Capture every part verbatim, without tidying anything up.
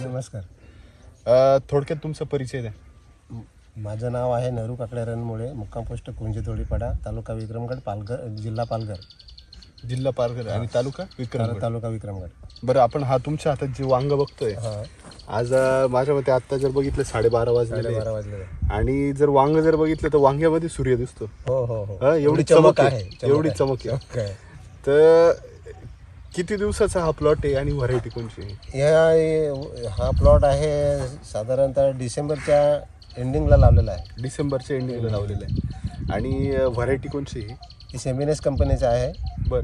नमस्कार. अ, थोडक्यात तुमचा परिचय द्या. माझं नाव आहे नरू काकडे रणमुळे, मुक्काम पोस्ट कुंजीतोडीपाडा, तालुका विक्रमगड, पालघर जिल्हा पालघर. जिल्हा पालघर आणि तालुका विक्रम. तालुका विक्रमगड. बरं, आपण हा तुमच्या हातात जे वांग बघतोय हां, आज अ, माझ्या मते आता जर बघितलं साडेबारा वाजलेले बारा वाजले. आणि जर वांग जर बघितलं तर वांग्यामध्ये सूर्य दिसतो. हो हो हो. हा, एवढी चमक आहे, एवढी चमक आहे. काय तर किती दिवसाचा हा प्लॉट आहे आणि व्हरायटी कोणची आहे? या हा प्लॉट आहे साधारणतः डिसेंबरच्या एंडिंगला लावलेला आहे. डिसेंबरच्या एंडिंगला लावलेला आहे. आणि व्हरायटी कोणची आहे? ही सेमिनेस कंपनीचं आहे. बरं.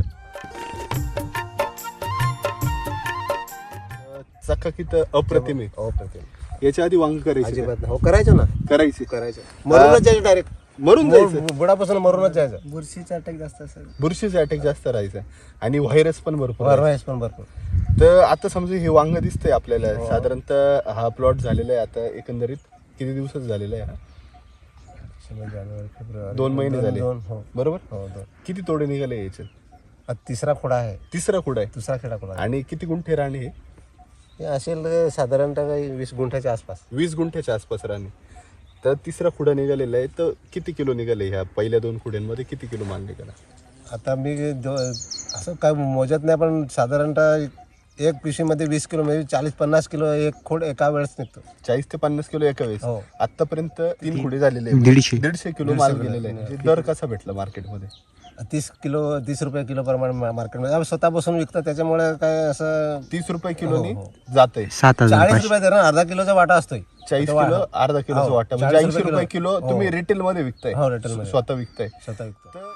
चकाकीत अप्रतिम आहे. हो प्रतिम. याच्या आधी वांग करायची अजिबात नाही. हो करायचो ना, करायची करायचं. मरूनच जायचं डायरेक्ट. मरून जायचं. बुडापासून मरूनच जायचं. बुरशीचा अटॅक जास्त असेल. बुरशीचा अटॅक जास्त राहायचा आणि व्हायरस पण भरपूर आहे. व्हायरस पण भरपूर. तर आता समजा हे वांग दिसतंय आपल्याला, साधारणतः हा प्लॉट झालेला आहे आता एकंदरीत किती दिवसाचा झालेला आहे हा? जानेवारी फेब्रुवारी दोन महिने झाले. दोन. हो बरोबर. हो दोन. किती तोडे निघाले याचे? हा तिसरा खोडा आहे. तिसरा कुडा आहे. दुसरा खेळा खोडा आहे. आणि किती गुंठे राणे हे? हे असेल साधारणतः काही वीस गुंठ्याच्या आसपास. वीस गुंठ्याच्या आसपास राणे. तर तिसरा खुडा निघालेला आहे. तर किती किलो निघाले ह्या पहिल्या दोन खुड्यांमध्ये? किती किलो माल निघाला? आता मी दो असं काय मोजत नाही, पण साधारणतः एक पिशवीमध्ये वीस किलो म्हणजे चाळीस पन्नास किलो एक खोड एका वेळेस निघतो. चाळीस ते पन्नास किलो एका वेळेस. हो. आतापर्यंत तीन खुडे झालेले आहेत. दीडशे दीडशे किलो माल गेलेला आहे. म्हणजे दर कसा भेटला मार्केटमध्ये? तीस किलो तीस रुपये किलो प्रमाणे मार्केटमध्ये आम्ही स्वतः बसून विकतो, त्याच्यामुळे काय असं तीस रुपये किलोनी हो, हो. जात आहे. सात हजार चाळीस पाचशे. रुपये धरण अर्धा किलोचा वाटा असतोय. चाळीस किलो अर्धा किलोचा हो, वाटा म्हणजे चाळीस ऐंशी रुपये रुपये किलो किलो. तुम्ही हो. रिटेल मध्ये विकताय. हो, retail मध्ये. स्वतः विकताय. स्वतः विकतो. तर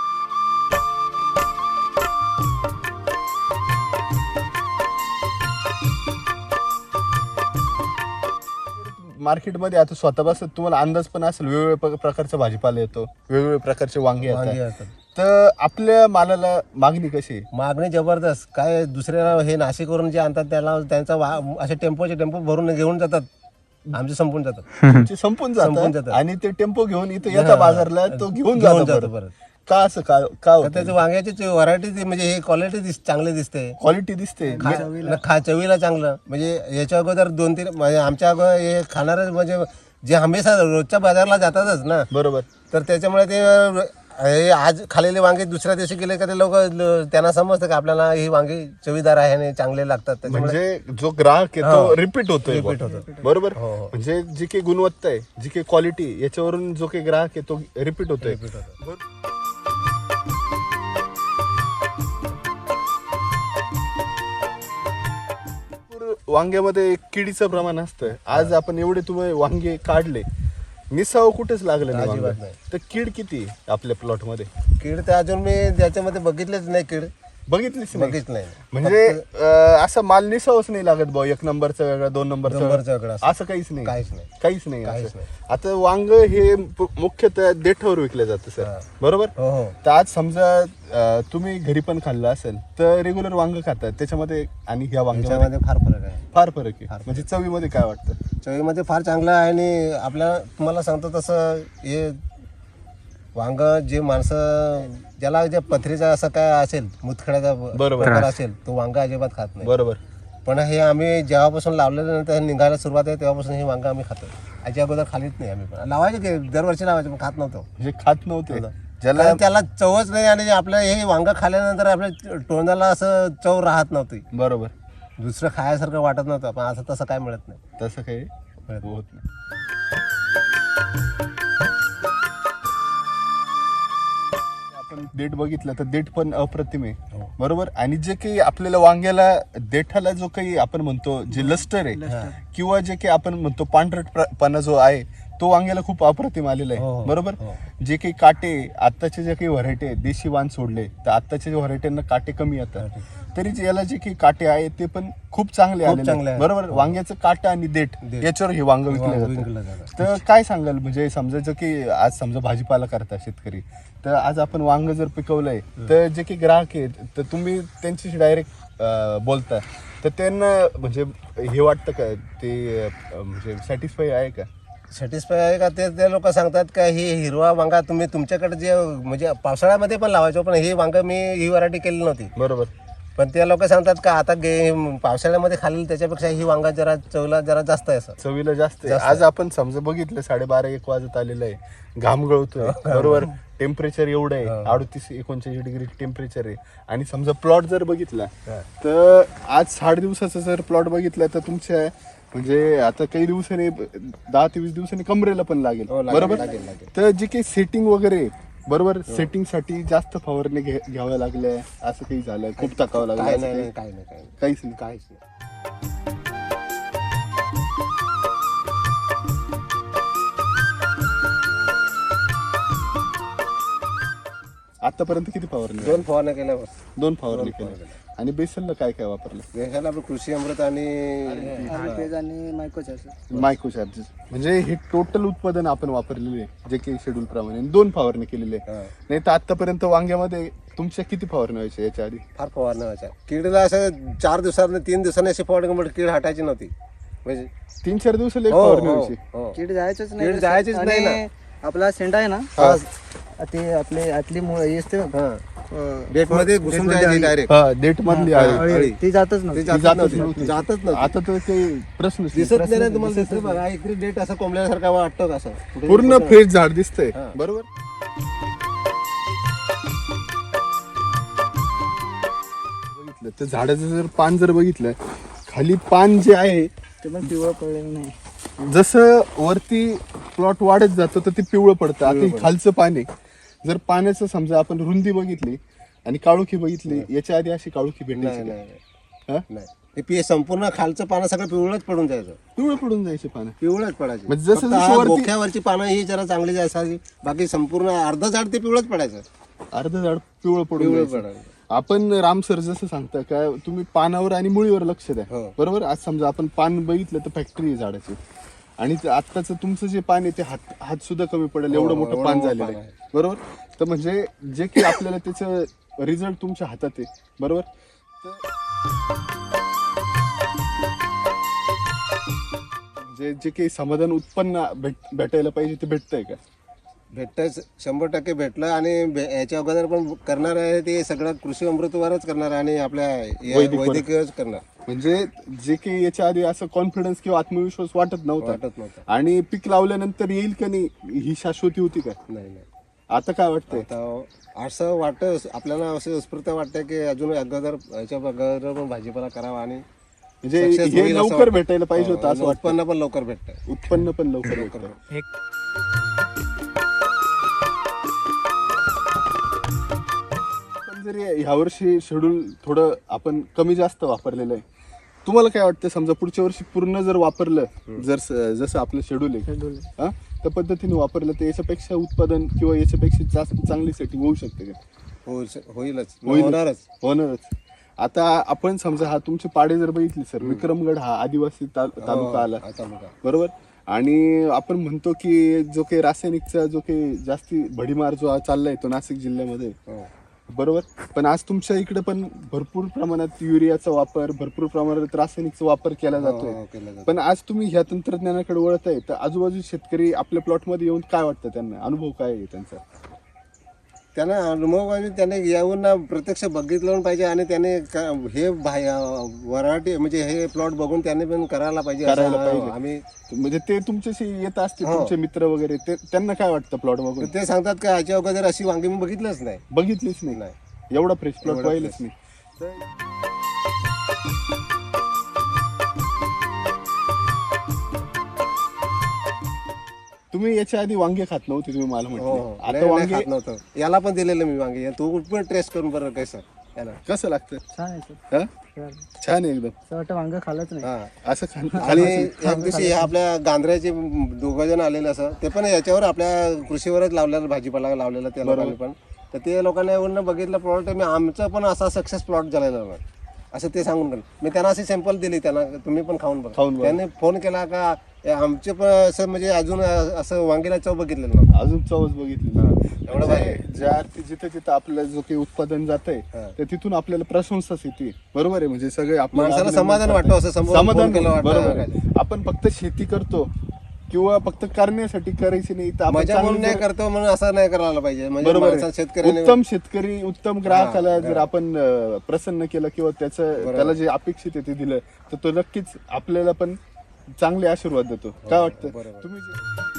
मार्केटमध्ये आता स्वतः बसत तुम्हाला अंदाज पण असेल, वेगवेगळ्या प्रकारचा भाजीपाला येतो, वेगवेगळ्या प्रकारचे वांगे वांगी येतात. असतात. तर आपल्या मालाला मागणी कशी आहे? मागणी जबरदस्त. काय दुसऱ्या हे नाशिकवरून जे आणतात त्याला त्यांचा वा असे टेम्पोचे टेम्पो भरून घेऊन जातात, आमचे संपून जातात. तुमचे संपून संपून जातात जातात. आणि ते टेम्पो घेऊन इथे येतात बाजारला, तो घेऊन घेऊन जातो जातो परत. परत. का असं का का तर त्याची वांग्याची व्हरायटी म्हणजे हे क्वालिटी दिस चांगली दिसते. क्वालिटी दिसते? खा न खा चवीला चांगलं. म्हणजे याच्या अगोदर दोन तीन म्हणजे आमच्या अगोदर हे खाणारे म्हणजे जे हमेशा रोजच्या बाजारला जातातच ना, बरोबर. तर त्याच्यामुळे ते हे आज खालेले वांगे दुसऱ्या दिवशी गेले का ते लोक त्यांना समजतं की आपल्याला ही वांगी चवीदार आहे आणि चांगले लागतात. त्याच्यामुळे म्हणजे जो ग्राहक आहे तो रिपीट होतोय. Repeat होतो. बरोबर. हो, हो. म्हणजे जी काही गुणवत्ता आहे, जी काही क्वालिटी, याच्यावरून जो काही ग्राहक आहे तो रिपीट होतोय. Repeat होतो. बरोबर. वांग्यामध्ये किडीचं प्रमाण असतं. आज आपण एवढे तुम्ही वांगे काढले, निसाव कुठेच लागलं नाही अजिबात वांगं. नाही. तर कीड किती आहे आपल्या प्लॉट मध्ये? कीड तर अजून मी त्याच्यामध्ये बघितलेच नाही. कीड बघितलीच नाही. बघितच नाही. म्हणजे अं, असा माल निसावच नाही लागत भाऊ, एक नंबरचा वेगळा, दोन नंबरचा नंबरचा वेगळा, वेगळा असं. असं काहीच नाही. काहीच नाही. काहीच नाही काहीच असं. नाही. आता वांग हे प- मुख्यतः देठावर विकलं जातं सर, हा. बरोबर. हो हो. तर आज समजा अं, तुम्ही घरी पण खाल्लं असेल तर रेग्युलर वांग खातात त्याच्यामध्ये आणि ह्या वांग्यामध्ये त्याच्यामध्ये फार फरक आहे. फार फरक आहे. फार फरक. म्हणजे चवीमध्ये काय वाटतं? चवीमध्ये फार चांगलं आहे. आणि आपल्या तुम्हाला सांगतो तसं हे वांग जे माणसं ज्याला जे पथरीचा असं काय असेल, मुतखड्याचा बरोबर. प्रकार असेल, तो वांग अजिबात खात नाही. बरोबर. पण हे आम्ही जेव्हापासून लावलेलं नंतर निघायला सुरुवात आहे तेव्हापासून हे वांग आम्ही खातो. याच्या अगोदर खालीच नाही आम्ही. पण लावायचे की दरवर्षी लावायचे, पण खात नव्हतो. म्हणजे खात नव्हते. ज्याला कारण त्याला चवच नाही. आणि आपलं हे वांग खाल्ल्यानंतर आपल्या तोंडाला असं चव राहत नव्हती. बरोबर. दुसरं खायसारखं वाटत नव्हतं. पण असं तसं काय मिळत नाही. तसं काही मिळत होत नाही. आपण देठ बघितलं तर देठ पण अप्रतिम आहे. हो. बरोबर. आणि जे काही आपल्याला वांग्याला देठाला जो काही आपण म्हणतो जे लस्टर आहे किंवा जे काही आपण म्हणतो पांढरटपणा जो आहे तो वांग्याला खूप अप्रतिम आलेला हो, आहे. हो. बरोबर. हो. जे काही काटे आत्ताचे जे काही व्हरायटी आहे, देशी वाण सोडले तर आत्ताच्या व्हरायटींना काटे कमी येतात, तरी जे याला जे काही काटे आहेत ते पण खूप चांगले खूप आलेले चांगले आहेत. आहेत. बरोबर. वांग्याचं काटा आणि देठ देठ. याच्यावर हे वांग विकलं विकलं जातं. जातं. तर काय सांगाल, म्हणजे समजायचं की आज समजा भाजीपाला करता शेतकरी, तर आज आपण वांग जर पिकवलंय तर जे काही ग्राहक आहेत तर तुम्ही त्यांच्याशी डायरेक्ट बोलता, तर त्यांना म्हणजे हे वाटतं का ते अं, म्हणजे सॅटिस्फाय आहे का? सॅटिस्फाय आहे का ते ते लोक सांगतात का ही हिरवा वांगा तुम्ही तुमच्याकडे जे म्हणजे पावसाळ्यामध्ये पण लावायचो, पण ही वांगा मी ही व्हरायटी केली नव्हती. बरोबर. पण ते लोक सांगतात का आता गे पावसाळ्यामध्ये खाल्लेलं त्याच्यापेक्षा ही वांगा जरा चवला जरा जास्त आहे असं. चवीला जास्त आहे. आज आपण समजा बघितलं साडेबारा एक वाजत आलेलं आहे, घाम गळतोय बरोबर, टेम्परेचर एवढं आहे अडतीस एकोणचाळीस डिग्री टेम्परेचर आहे. आणि समजा प्लॉट जर बघितला तर आज साठ दिवसाचा जर प्लॉट बघितला तर तुमच्या म्हणजे आता काही दिवसांनी दहा ते वीस दिवसांनी कमरेला पण लागेल बरोबर. तर जे काही सेटिंग वगैरे बरोबर, सेटिंग साठी जास्त फवारणी घ्याव्या लागल्या असं काही झालं, खूप टाकावं लागलं काय असं नाही काही? काय नाही काय नाही काहीच नाही. काहीच नाही. आतापर्यंत किती फवारणी? दोन फवारण्या केल्या बस. दोन फवारणी केल्या. आणि बेसनला काय काय वापरलं? देशाला आपलं कृषी अमृत आणि आणि मायक्रोचार्जर मायक्रो चार्जेस. म्हणजे हे टोटल उत्पादन आपण वापरलेले आहे जे काही शेड्यूल प्रमाणे, दोन फवारणी केलेली आहे. नाही तर आतापर्यंत वांग्यामध्ये तुमच्या किती फवारणी व्हायच्या याच्या आधी? फार फवारण्या व्हायच्या. किडीला असं चार दिवसांनी तीन दिवसांनी अशी फवारणी म्हणजे कीड हटायची नव्हती. म्हणजे तीन चार दिवसाला एक हो, फवारणी हो, व्हायची. हो. कीड जायचंच कीड नाही जायचीच नाही आणि आपला शेंडा आहे ना हा. ते आपले आतली मुळ हे असते ना, हा. डेटमध्ये घुसून जायची डायरेक्ट. हा डेट मधली आहे. अळी, ती जातच ती नव्हती. जातच जातच नव्हती. नव्हती. जातच नव्हती. आता तर काही प्रश्नच नाही. दिसत नाही ना तुम्हाला. दिसत बघा इकडे डेट असं कोंबल्यासारखा वाटतो का असं कुठे पूर्ण फ्रेश झाड दिसतंय हा. बरोबर. बघितलं तर झाडाचं जर पान जर बघितलं, खाली पान जे आहे ते पण पिवळं पडलेलं नाही. जसं वरती प्लॉट वाढत जातो तर ते पिवळं पडतं. आता हे खालचं पान आहे, जर पाण्याचं समजा आपण रुंदी बघितली आणि काळोखी बघितली, याच्या आधी अशी काळोखी नाही भेटायची नाही का? हा? नाही. हे पी संपूर्ण खालचं पानं सगळं पिवळच पडून जायचं. पिवळं पडून जायचे पानं. पिवळच पडायचे. म्हणजे जसं फक्त जसं हा वरती- बोक्यावरची पानं ही जरा चांगली असायची, बाकी संपूर्ण अर्ध झाड ते पिवळच पडायचं. अर्ध झाड पिवळं पडून पिवळं जायचं. पडायचं. आपण राम सर जसं सांगता का तुम्ही पानावर आणि मुळीवर लक्ष द्या हो. बरोबर. आज समजा आपण पान बघितलं तर फॅक्टरी आहे झाडाची, आणि ते आत्ताचं तुमचं जे पान आहे ते हात हात सुद्धा कमी पडेल एवढं हो, मोठं एवढं पान मोठं झालेलं पान आहे आहे. बरोबर. तर म्हणजे जे की आपल्याला त्याचं रिझल्ट तुमच्या हातात आहे बरोबर. तर म्हणजे जे काही समाधान उत्पन्न भेट भेटायला पाहिजे ते भेटतंय का? भेटतंच, शंभर टक्के भेटलं. आणि भे- याच्या अगोदर पण करणार आहे ते सगळं कृषी अमृतवरच करणार आहे आणि आपल्या या वैदिकवर. वैदिकच करणार. म्हणजे जे काही याच्या आधी असं कॉन्फिडन्स किंवा आत्मविश्वास वाटत नव्हता, वाटत नव्हतं. आणि पीक लावल्यानंतर येईल का नाही ही शाश्वती होती का? नाही नाही आता काय वाटतंय? आता असं वाटतं आपल्याला, असं उत्स्फूर्त वाटतं की अजून अगोदर याच्या अगोदर पण भाजीपाला करावा आणि म्हणजे success हे होईल असं लवकर वाटतं. भेटायला पाहिजे होतं हो, असं वाटतं. उत्पन्न पण लवकर भेटतं. उत्पन्न पण लवकर भेटतं. पण जरी ह्या वर्षी शेड्यूल थोडं आपण कमी जास्त वापरलेलं आहे, तुम्हाला काय वाटतं समजा पुढच्या वर्षी पूर्ण जर वापरलं, जर स- जसं आपलं शेड्यूल आहे शेड्यूल. हा, त्या पद्धतीने वापरलं तर याच्यापेक्षा उत्पादन किंवा याच्यापेक्षा जास्त चांगली सेटिंग होऊ शकते का? होईल होईलच होईल. होणारच. होणारच. आता आपण समजा हा तुमचे पाडे जर बघितले सर, विक्रमगड हा आदिवासी ता- तालुका आला हा तालुका. बरोबर. आणि आपण म्हणतो की जो काही रासायनिकचा जो काही जास्ती भडीमार जो चाललाय तो नाशिक जिल्ह्यामध्ये हो. बरोबर. पण आज तुमच्या इकडे पण भरपूर प्रमाणात युरियाचा वापर, भरपूर प्रमाणात रासायनिकचा वापर केला हो, जातोय. हो, केलं जातं. पण आज तुम्ही ह्या तंत्रज्ञानाकडे वळत आहे तर आजूबाजू शेतकरी आपल्या प्लॉटमध्ये येऊन काय वाटतं त्यांना, अनुभव काय आहे त्यांचा? त्यांना अनुभव म्हणजे त्याने येऊन ना प्रत्यक्ष बघितलं पाहिजे आणि त्याने क- हे व्हरायटी म्हणजे हे प्लॉट बघून त्याने पण करायला पाहिजे असं करायला पाहिजे. आम्ही म्हणजे ते तुमच्याशी येत असतील हो. तुमचे मित्र वगैरे, ते त्यांना काय वाटतं प्लॉट बघून? ते सांगतात का याच्या अगोदर अशी वांगी मी बघितलंच नाही. बघितलीच नाही. नाही. एवढा फ्रेश प्लॉट एवढा पाहिलंच fresh. नाही. तुम्ही याच्या आधी वांगे खात नव्हते तुम्ही मला हो म्हटले, हो. आता नाही, नाही वांगे खात नव्हतं. याला पण दिलेलं मी वांगे. तू पण टेस्ट करून बरं कसं याला. कसं लागतं? छान आहे सर. हा? छान आहे एकदम. असं वाटतं वांग खाल्लंच नाही. हा. असं खान आणि एक दिवशी हे आपल्या गांधऱ्याचे दोघं जण आलेले असं, ते पण याच्यावर आपल्या कृषीवरच लावलेलं भाजीपाला लावलेला त्या लोकांनी पण. तर ते लोकांना येऊन बघितलं प्लॉट, मी आमचं पण असा सक्सेस प्लॉट झालेला नाही असं ते सांगून गेलं. मी त्यांना अशी सॅम्पल दिली, त्यांना तुम्ही पण खाऊन बघा. खाऊन बघा. त्यांनी फोन केला का ए, आमचे पण असं म्हणजे अजून असं वांगीला चव बघितलेलं नव्हतं. अजून चवच बघितली. एवढं भारी. ज्या अर्थी जिथं जिथं आपलं जो काही उत्पादन जात आहे हा. तर तिथून आपल्याला प्रशंसाच येते बरोबर आहे. म्हणजे सगळे आपल्याला माणसाला अभिनंदन समाधान करतात. वाटतं, असं समोरून समाधान फोन केलं वाटतं. बरोबर आहे. आपण फक्त शेती करतो किंवा फक्त करण्यासाठी करायची नाही तर आपण मजा म्हणून चांगलं नाही जर- करतो म्हणून असं नाही करायला पाहिजे. म्हणजे बरोबर माणसाला आहे. शेतकऱ्याने उत्तम शेतकरी उत्तम ग्राहकाला जर आपण अं, प्रसन्न केलं किंवा त्याचं त्याला जे अपेक्षित आहे ते दिलं तर तो नक्कीच आपल्याला पण चांगले आशीर्वाद देतो. काय वाटतं तुम्ही जे-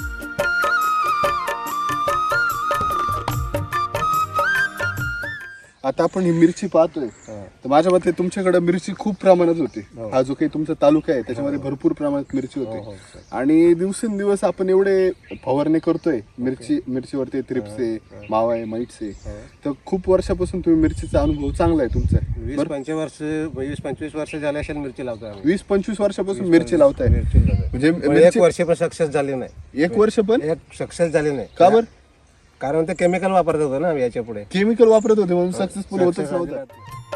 आता आपण ही मिरची पाहतोय तर माझ्या मते तुमच्याकडे मिरची खूप प्रमाणात होती. हा जो काही तुमचा तालुका आहे त्याच्यामध्ये भरपूर प्रमाणात मिरची होती आणि दिवसेंदिवस आपण एवढे फवारणी करतोय मिरची मिरचीवरती थ्रिप्स आहे, मावा आहे, माइट्स आहे. तर खूप वर्षापासून तुम्ही मिरचीचा अनुभव चांगला आहे तुमचा. वीस पंचवीस वर्ष वीस पंचवीस वर्ष झाले असेल मिरची लावतोय आम्ही. वीस पंचवीस वर्षापासून मिरची लावताय मिरची लावतोय. म्हणजे पण एक मिरची वर्ष पण सक्सेस झाली नाही. एक वर्ष पण एक सक्सेस झाली नाही. का बरं? कारण ते केमिकल वापरत होतो ना याच्या पुढे. केमिकल वापरत होते म्हणून सक्सेसफुल होतच नव्हतं.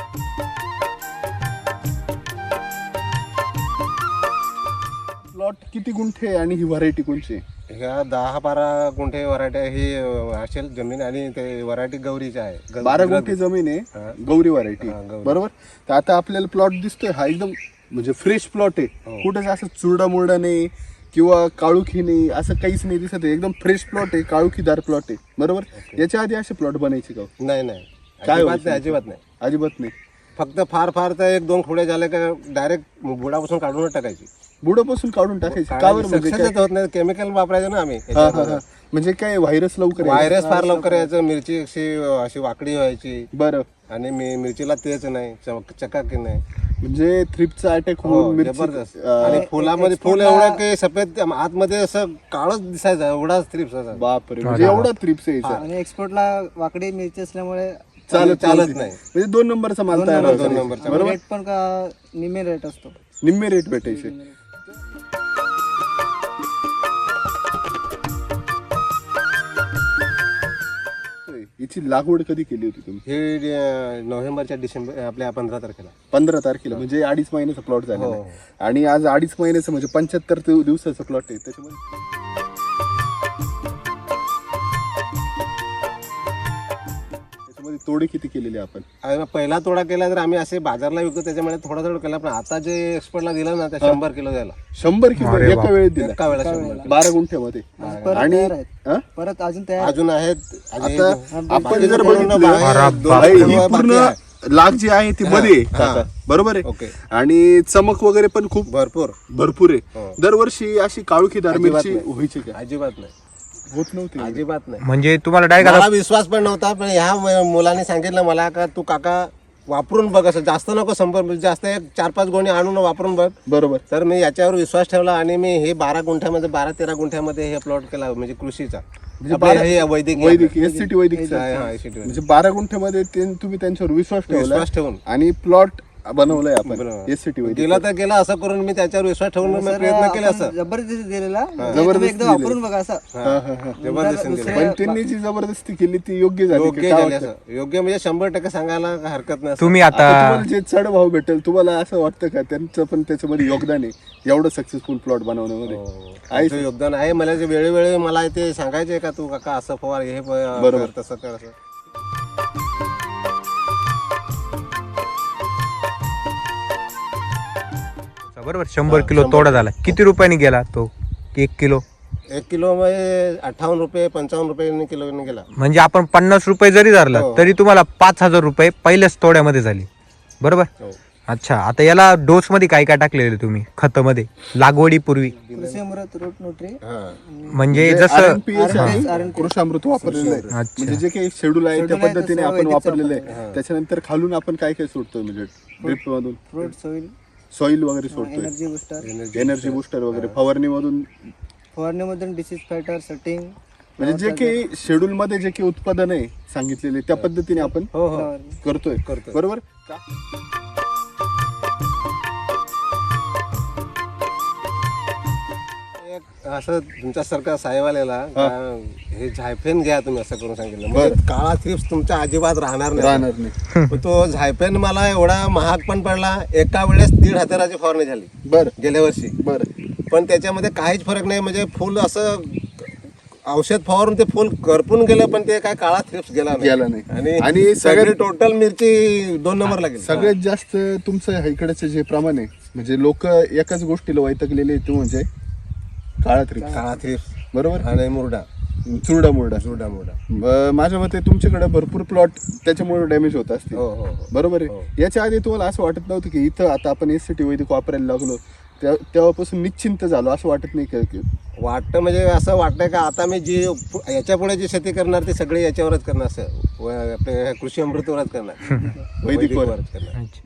प्लॉट किती गुंठे आणि ही व्हरायटी कोणची आहे? ह्या दहा बारा गुंठे वरायटी ही अं, असेल जमीन आणि ते वरायटी गौरीची आहे. ग- बारा गुंठे जमीन आहे गौरी व्हरायटी गौरी. बरोबर. तर आता आपल्याला प्लॉट दिसतोय हा एकदम म्हणजे फ्रेश प्लॉट आहे. कुठेच असं चुरडा मुरडा नाही किंवा काळुखी नाही असं काहीच नाही दिसत आहे. एकदम फ्रेश प्लॉट आहे, काळुखीदार प्लॉट आहे बरोबर. याच्या आधी असे प्लॉट बनायचे का? नाही नाही काय अजिबात व्हायचं? नाही अजिबात नाही. अजिबात नाही. फक्त फार फार तर एक दोन खोडे झाले का डायरेक्ट बुडापासून काढूनच टाकायची. बुडापासून काढून टाकायचे का बरं? म्हणजे सक्सेस होत नाही. केमिकल वापरायचं ना आम्ही. हा, हा, हा. म्हणजे काय व्हायरस लवकर यायचं? व्हायरस फार लवकर यायचं. मिरची अशी अशी वाकडी व्हायची बरं. आणि मी मिरचीला तेच नाही चमक- चकाकी नाही. म्हणजे थ्रिपचा अटॅक हो, होऊन मिरची जबरदस्त. अं, आणि फुलामध्ये फुल एवढं काही सफेद आतमध्ये असं काळच दिसायचं एवढाच थ्रिप्स असा. बापरे म्हणजे एवढा थ्रिप्स यायचा. आणि एक्सपोर्टला वाकडी मिरची असल्यामुळे चालत चालत नाही. म्हणजे दोन नंबरचा माल तयार दोन व्हायचा. नंबरचा. बरोबर. रेट पण का निम्मे रेट असतो. निम्मे रेट भेटायचे. याची लागवड कधी केली होती तुम्ही? हे अं, नोव्हेंबरच्या डिसेंबर आपल्या पंधरा तारखेला. पंधरा तारखेला म्हणजे अडीच महिन्याचा प्लॉट झाला हो. आणि आज अडीच महिन्याचं म्हणजे पंच्याहत्तर दिवसाचा प्लॉट आहे त्याच्यामध्ये. त्याच्यामध्ये तोडे किती केलेले आपण? आणि पहिला तोडा केला तर आम्ही असे बाजारला विकतो त्याच्यामुळे थोडा थोडा केला. पण आता जे एक्सपोर्टला दिलं ना ते शंभर किलो द्यायला शंभर किलो एका वेळेत दिला एका वेळेला शंभर. बारा गुंठ्यामध्ये. परत आणि तयार आहेत. हा? परत अजून तयार अजून आहेत. अजून आता एक- आपण जर पूर्ण बघितलं बाहेर दोन भाई, किलो ही बाकी पूर्ण आहे. लाग जी आहे ती मध्ये आहे, काका. बरोबर आहे. ओके. आणि चमक वगैरे पण खूप भरपूर भरपूर आहे. हो. दरवर्षी अशी काळुखीदार अजिबात मिरची नाही. व्हायची का? अजिबात नाही. होत नव्हती. अजिबात नाही. म्हणजे तुम्हाला डायरेक्ट मला विश्वास पण नव्हता. पण ह्या म- मुलाने सांगितलं मला का तू काका वापरून बघ. असं जास्त नको शंभर जास्त एक चार पाच गोणी आणून वापरून बघ. बरोबर. तर मी याच्यावर विश्वास ठेवला आणि मी हे बारा गुंठ्यामध्ये बारा तेरा गुंठ्यामध्ये हे प्लॉट केला म्हणजे कृषीचा. म्हणजे आपलं बारा- हे वैदिक वैदिक एस सी टी वैदिक हा, हा, S C T म्हणजे बारा गुंठ्यामध्ये ते तुम्ही त्यांच्यावर विश्वास ठेवला विश्वास ठेवून आणि प्लॉट बनवलाय आपण बरोबर. एस सी टी वैदिक. गेला तर गेला असं करून मी त्याच्यावर विश्वास ठेवून मी सर, प्रयत्न केले आपण असं. जबरदस्ती दिलेला जबरदस्ती तुम्ही एकदा दिली. वापरून बघा असं. हा, हा, हा. जबरदस्ती दुसऱ्या- दिली. पण त्यांनी जी जबरदस्ती केली ती योग्य झाली योग्य का? काय झाले वाटतं? असं. योग्य म्हणजे शंभर टक्के सांगायला हरकत नाही असं. तुम्ही आता आता तुम्हाला जे चढ भाव भेटेल तुम्हाला असं वाटतं का त्यांचं पण त्याच्यामध्ये योगदान आहे एवढं सक्सेसफुल प्लॉट बनवण्यामध्ये? हो. आहे तुमचं योगदान आहे. मला जे वेळोवेळी मला ते सांगायचे का तू काका असं फवार हे प- बरोबर. कर, तसं कर असं. बरोबर शंभर किलो तोडा झाला. किती रुपयाने गेला तो एक किलो? एक किलो मध्ये अठ्ठावन्न रुपये पंचावन्न रुपये किलो गेला. म्हणजे आपण पन्नास रुपये जरी धरला हो. तरी तुम्हाला पाच हजार रुपये पहिल्याच तोड्यामध्ये झाली बरोबर. हो. अच्छा आता याला डोस मध्ये काय काय टाकलेले तुम्ही खतामध्ये लागवडीपूर्वी? कृषी अमृत रूट न्यूट्री हा. म्हणजे म्हणजे जसं आर एन पी एस हा. आणि आर एन पी एस. कृषामृत वापरलेलं आहे. अच्छा. म्हणजे जे काही शेड्यूल आहे त्या शेड्यूल आहे पद्धतीने तसं आपण वैदिक वापरलेलं वापरलेलं आहे. त्याच्यानंतर खालून आपण काय काय सोडतोय म्हणजे ड्रिप मधून फ्रूट सॉइल सॉइल वगैरे सोडतोय, एनर्जी बुस्टर एनर्जी बुस्टर वगैरे फवारणी मधून. फवारणीमधून डिसीज फायटर सेटिंग म्हणजे जे काही शेड्यूल मध्ये जे काही उत्पादन आहे सांगितलेले त्या पद्धतीने आपण हो हो करतोय करतोय. बरोबर का? एक असं तुमच्यासारखा साहेब आलेला का हे झायफेन घ्या तुम्ही असं करून सांगितलं. बरं. म्हणजे काळा थ्रिप्स तुमच्या अजिबात राहणार नाही. राहणार नाही. पण तो झायफेन मला एवढा महाग पण पडला. एका वेळेस दीड हजाराची फवारणी झाली बर गेल्या वर्षी. बर. पण त्याच्यामध्ये काहीच फरक नाही. म्हणजे फुल असं औषध फवारून ते फुल करपून गेलं पण ते काय काळा थ्रिप्स गेला गेला नाही. आणि आणि सगळी सगळ्यात- टोटल मिरची दोन नंबर लागेल. सगळ्यात जास्त तुमचं इकडचं जे प्रमाण आहे म्हणजे लोक एकाच गोष्टीला वैतकलेले ते म्हणजे काळा थ्रिप्स काळा थ्रिप्स बरोबर आणि मुरडा चुरडा मुरडा चुरडा मुरडा. ब- माझ्या मते तुमच्याकडे भरपूर प्लॉट त्याच्यामुळे डॅमेज होत असतील हो हो हो. बरोबर आहे. याच्या आधी तुम्हाला असं वाटत नव्हतं की इथं आता आपण एस सी टी वैदिक वापरायला लागलो त्या- तेव्हापासून निश्चिंत झालो असं वाटत नाही का की वाटतं म्हणजे असं वाटतंय का आता मी जी पु- याच्या पुढे जी शेती करणार ती सगळी याच्यावरच करणार असं व- आपले कृषी अमृतवरच करणार वैदिकवर. वैदिकवरच करणार. अच्छा.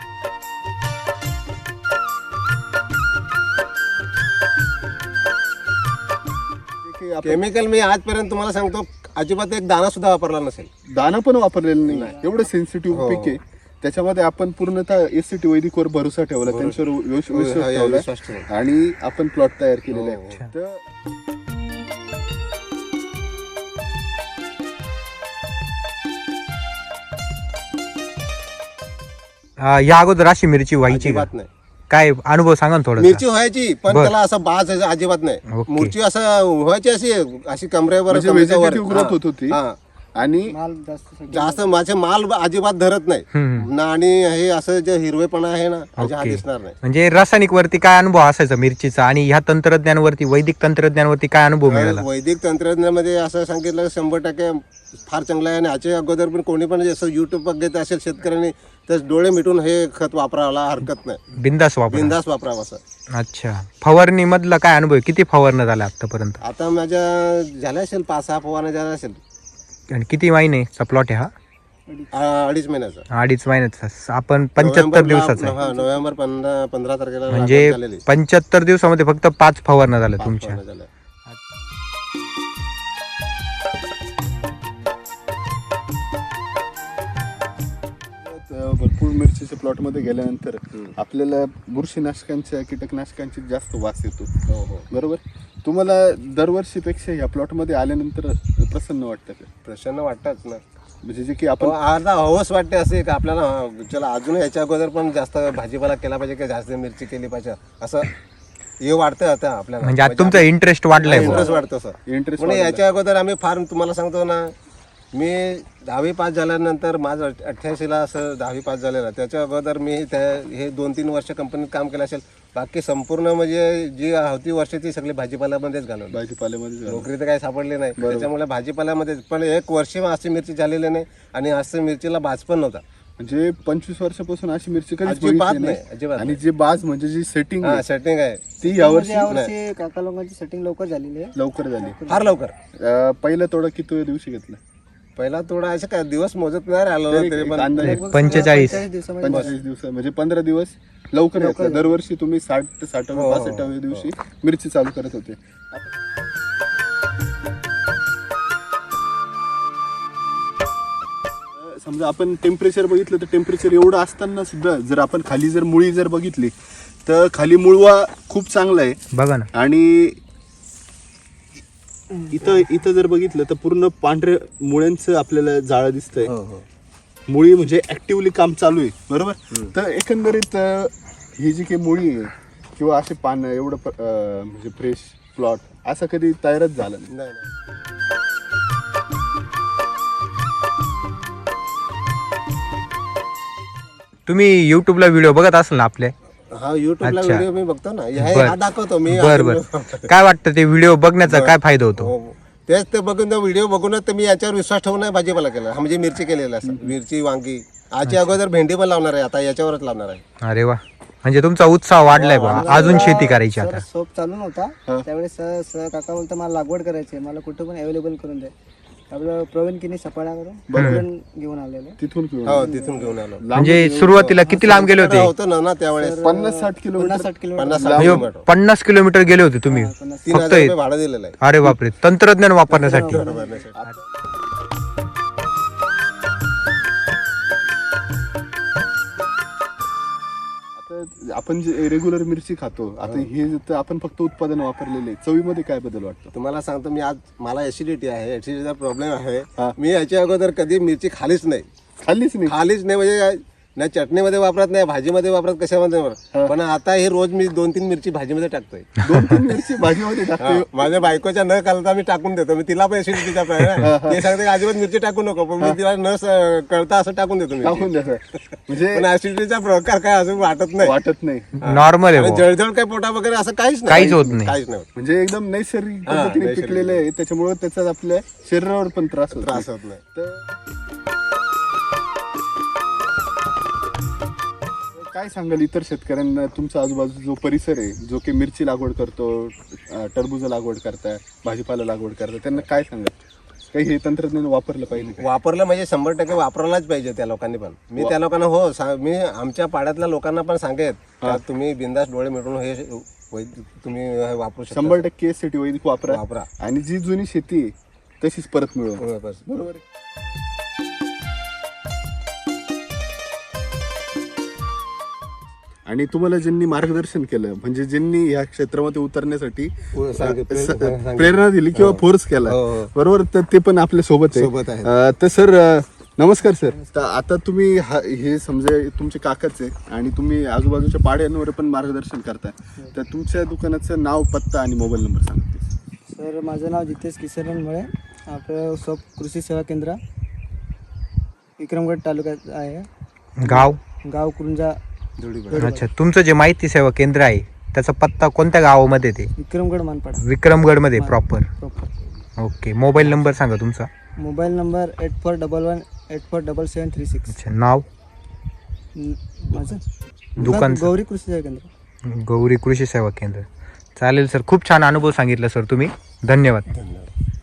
की आपण केमिकल मी आजपर्यंत तुम्हाला सांगतो अजिबात एक दाणा सुद्धा वापरला नसेल. दाणं पण वापरलेलं नाही एवढं सेन्सिटिव्ह हो. पीक आहे त्याच्यामध्ये आपण पूर्णतः एस सी टी वैदिकवर भरोसा ठेवला त्यांच्यावर विश- हो, विश्वास हा, ठेवला विश्वास ठेवला. आणि आपण प्लॉट तयार केलेले हो, आहे तर अं, या अगोदर अशी मिरची व्हायची का? अजिबात नाही. काय अनुभव सांगा ना थोडा. मिरची व्हायची पण बर. त्याला असं बाज अजिबात नाही. ओके. मिरची असं व्हायची अशी अशी कमरेवर म्हणजे कमरेच्या वर. vegetative growth होत होती. हा. आणि माल जास्त सगळं- जास्त माझे माल अजिबात धरत नाही हम्म. ना आणि हे असं जे हिरवेपणा आहे ना अजिबात हा ओके. दिसणार नाही. म्हणजे रासायनिक वरती काय अनुभव असायचा मिरचीचा आणि ह्या तंत्रज्ञानावरती वैदिक तंत्रज्ञानावरती काय अनुभव मिळाला? वैदिक तंत्रज्ञानामध्ये असं सांगितलं शंभर टक्के फार चांगलं आहे आणि याच्या अगोदर पण कोणी पण जसं युट्यूब बघत असेल शेतकऱ्यांनी तर डोळे मिटून हे खत वापरायला हरकत नाही. बिंदास वापर. बिंदास वापरावं असं. अच्छा. फवारणी मधला काय अनुभव आहे? किती फवारणी झाला आतापर्यंत आता माझ्या झाल्या असेल पाच सहा फवारण्या झाल्या असेल आणि किती महिन्याचा प्लॉट आहे हा? आ- अडीच महिन्याचा. अडीच महिन्याचा. आपण पंच्याहत्तर नोव्हेंबरला- दिवसाचा आहे. हा, नोव्हेंबर पंधरा पंधरा तारखेला म्हणजे लागवड झालेली. पंच्याहत्तर दिवसामध्ये फक्त पाच फवारण्या झाल्या पाच तुमच्या. फवारण्या झाल्या. अं, भरपूर मिरचीच्या प्लॉट मध्ये गेल्यानंतर आपल्याला बुरशीनाशकांच्या कीटकनाशकांची जास्त वास येतो हो हो. बरोबर. तुम्हाला दरवर्षीपेक्षा ह्या प्लॉट मध्ये आल्यानंतर प्रसन्न वाटतं का? प्रसन्न वाटतच ना. म्हणजे जे की आपण पण अर्धा हवस वाटते असे का आपल्याला हा, चला अजून याच्या अगोदर पण जास्त भाजीपाला केला पाहिजे की जास्त मिरची केली पाहिजे असं हे वाटतं आता आपल्याला. म्हणजे आता तुमचा इंटरेस्ट वाढलाय बुवा. इंटरेस्ट वाटतो सर. इंटरेस्ट म्हणजे याच्या अगोदर आम्ही फार तुम्हाला सांगतो ना मी दहावी पास झाल्यानंतर माझं अठ्ठ्याऐंशीला असं दहावी पास झालेलं. त्याच्या अगोदर मी त्या हे दोन तीन वर्ष कंपनीत काम केलं असेल. बाकी संपूर्ण म्हणजे जी होती वर्ष ती सगळी भाजीपाल्यामध्येच घालवली. भाजीपाल्यामध्ये झालं. नोकरी तर काही सापडली नाही त्याच्यामुळे भाजीपाल्यामध्ये पण एक वर्ष अशी मिरची झालेली नाही आणि असं मिरचीला बाज पण नव्हता. म्हणजे पंचवीस वर्षापासून अशी मिरची कधीच अजिबात बघितली नाही, अजिबात आणि जे बाज म्हणजे जी सेटिंग हा सेटिंग आहे ती यावर्षी यावर्षी काका लोकांची सेटिंग लवकर झालेली आहे. लवकर झाली. फार लवकर. अं, पहिला तोडा किती दिवशी घेतला? पहिला थोडा असं काय दिवस मोजत नाही राहिलो तरी तरी एक पण अंदाजे पंचेचाळीस. दिवसामध्ये पंचेचाळीस दिवस म्हणजे पंधरा दिवस लवकर घेतला. दरवर्षी तुम्ही साठ ते साठाव्या हो, हो, पासष्टाव्या दिवशी मिरची चालू करत होते. आता- समजा आपण टेम्परेचर बघितलं तर टेम्परेचर एवढं असताना सुद्धा जर आपण खाली जर मुळी जर बघितली तर खाली मुळवा खूप चांगला आहे बघा ना. आणि इथं इथं जर बघितलं तर पूर्ण पांढऱ्या मुळ्यांचं आपल्याला जाळं दिसतंय. हो हो. मुळी म्हणजे ऍक्टिव्हली काम चालू आहे बरोबर. तर एकंदरीत अं, ही जी काही मुळी आहे किंवा असे पानं एवढं प- अं, म्हणजे फ्रेश प्लॉट असं कधी तयारच झालं नाही. नाही नाही. तुम्ही युट्यूबला व्हिडिओ बघत असाल ना आपले? हा युट्यूबला अच्छा. व्हिडिओ मी बघतो ना हे बर. हा दाखवतो मी. बर बर. काय वाटतं ते व्हिडिओ बघण्याचा काय फायदा होतो? हो, हो. तेच ते बघून व्हिडिओ बघूनच तर मी याच्यावर विश्वास ठेवून नाही भाजीपाला केला. हा म्हणजे मिरची केलेला असं मिरची वांगी आजच्या अगोदर भेंडी पण लावणार आहे आता याच्यावरच लावणार आहे. अरे वा. म्हणजे तुमचा उत्साह वाढलाय बा अजून शेती करायची सर आता. सोप चालू नव्हता त्यावेळेस सर सर काका बोलता मला लागवड करायची आहे, मला कुठं पण अवेलेबल करून द्या. आपलं प्रवीण किनी सपाळ्यावरून बरोबर घेऊन आलेलं. तिथून घेऊन हो तिथून घेऊन आलो. म्हणजे सुरुवातीला किती लांब गेले होते? होतो ना ना त्यावेळेस पन्नास साठ किलोमीटर पन्नास साठ किलोमीटर पन्नास साठ म्हणजे किलोमीटर पन्नास किलोमीटर गेले होते तुम्ही पन्नास तीन हजार रुपये भाडं दिलेलं आहे. अरे बापरे. तंत्रज्ञान वापरण्यासाठी. आता आपण जे रेग्युलर मिरची खातो आता हे तर आपण फक्त उत्पादन वापरलेले चवीमध्ये काय बदल वाटतो? तुम्हाला सांगतो मी आज मला ऍसिडिटी आहे ऍसिडिटीचा प्रॉब्लेम आहे. हा. मी याच्या अगोदर कधी मिरची खालीच नाही खाल्लीच नाही. खालीच नाही म्हणजे नाही चटणीमध्ये वापरत नाही, भाजीमध्ये वापरत, कशामध्ये वापरत. पण आता हे रोज मी दोन तीन मिरची भाजीमध्ये टाकतोय. दोन तीन मिरची भाजीमध्ये टाकते. हा, माझ्या बायकोच्या न कळता मी टाकून देतो. मी तिला पण ऍसिडिटीचा प्रॉब्लेम आहे. ते सांगते की अजिबात मिरची टाकू नको, पण मी तिला न स- कळता असं टाकून देतो मी. टाकून द्यायचं म्हणजे पण ऍसिडिटीचा प्रकार काय अजून वाटत नाही. वाटत नाही. नॉर्मल आहे आणि बुवा. जळजळ काय पोटा वगैरे असं काहीच नाही. काहीच होत नाही. काहीच नाही होत. म्हणजे एकदम नैसर्गिक हा, पद्धतीने नैसर्गिक. पिकलेलं आहे, त्याच्यामुळे त्याचा आपल्या शरीरावर पण त्रास होत त्रास नाही. होत नाही. तर काय सांगाल इतर शेतकऱ्यांना, तुमचा आजूबाजूचा जो परिसर आहे, जो की मिरची लागवड करतो, अं, टरबूज लागवड करताय, भाजीपाला लागवड करताय, त्यांना काय सांगाल? काही हे तंत्रज्ञान वापरलं पाहिजे का? वापरलं म्हणजे शंभर टक्के वापरायलाच पाहिजे त्या लोकांनी पण. मी त्या लोकांना हो सा- मी आमच्या पाड्यातल्या लोकांना पण सांगेन का तुम्ही बिंदास डोळे मिटून हे वैद- तुम्ही हे वापरू शकता. शंभर टक्के साठी वैदिक वापरा वापरा. आणि जी जुनी शेती आहे तशीच परत मिळवा. बरोबर. बरोबर आहे. आणि तुम्हाला ज्यांनी मार्गदर्शन केलं, म्हणजे ज्यांनी या क्षेत्रामध्ये उतरण्यासाठी हो, सांगितलं, स- सांगितलं. प्रेरणा दिली किंवा फोर्स केला, हो, हो. बरोबर, तर ते पण आपल्या सोबत सोबत आहेत. अं, तर सर अं, नमस्कार सर. तर आता तुम्ही हा- हे समजा तुमचे काकाच आहे आणि तुम्ही आजूबाजूच्या पाड्यांवर पण मार्गदर्शन करताय, तर तुमच्या दुकानाचं नाव, पत्ता आणि मोबाईल नंबर सांगा. सर माझं नाव जितेश किशोरन मुळे, आपलं सब कृषी सेवा केंद्र विक्रमगड तालुक्यात आहे, गाव गाव कुरुंजा, अच्छा. तुमचं जे माहिती सेवा केंद्र आहे त्याचा पत्ता कोणत्या गावामध्ये ते? विक्रमगड मानपाडा विक्रमगड मध्ये proper. Proper. Okay. Mobile number सांगा तुमचा. Mobile number eight four double one eight four double seven three six. अच्छा. नाव? माझं दुकान गौरी कृषी सेवा केंद्र. गौरी कृषी सेवा केंद्र. चालेल सर, खूप छान अनुभव सांगितला सर तुम्ही. धन्यवाद. धन्यवाद.